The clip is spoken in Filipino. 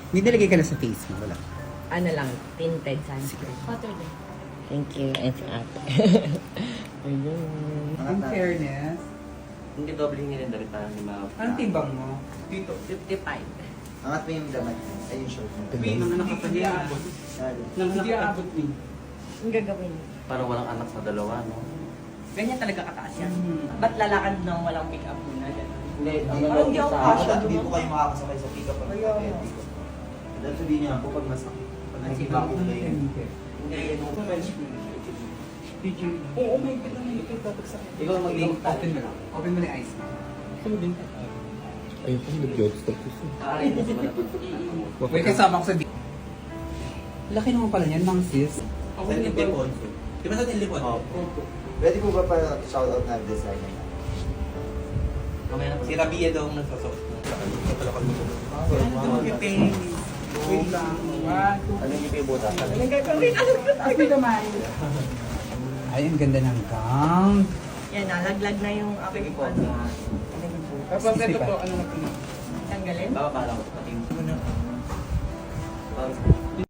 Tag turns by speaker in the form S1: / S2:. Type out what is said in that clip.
S1: May nilagay ka na sa face mo, wala.
S2: Ano lang, tinted sunscreen.
S3: Water din.
S2: Thank you. And si ate. Ayun.
S1: In fairness,
S4: Hindi doble hingi rin dapat parang lima.
S1: anong timbang mo? Dito.
S2: 55.
S5: Angat mo yung damat mo. Ay, yung short mo.
S1: Wait, mga nakapagyan. Hindi aabot din.
S2: Ang gagawin.
S4: Parang walang anak sa dalawa, no?
S2: Ganyan talaga kataas yan.
S1: Mhm.
S2: Ba't lalakad nang walang pick-up muna? Ganun.
S4: Hindi, ang
S5: Parang
S4: gagawin
S5: hindi ako
S4: sa
S5: kasha. Hindi po kayo makakasakay sa pick-up ang
S2: Ayaw.
S5: diabetic. Dahil sabihin niya po pag masakit. Pag nahiba ko kayo.
S4: Hindi, yan yung
S1: Oo, may kita na ito. Tatagsak.
S4: Ikaw maging
S1: Open mo lang. Open mo na yung eyes mo.
S6: Ayun ko, nag-jockstop ko siya.
S4: aarin mo sa malapit.
S1: Wait, kasama ko sa video. Laki naman pala yan, mang sis.
S5: Sa Lipon. Di ba sa Lipon? Pwede po ba para shoutout na designer?
S4: Mamaya na po.
S5: Si Rabia daw ang nagsasok.
S1: Wait lang. One, two,
S4: Ano yung pibutas?
S1: Happy naman. Ay, ang ganda ng gown.
S2: Yan, nalaglag na yung aking ano.
S1: Tapos ito po, ano na po na?
S2: Tanggalin?
S4: Baba pala ko. Pati yung...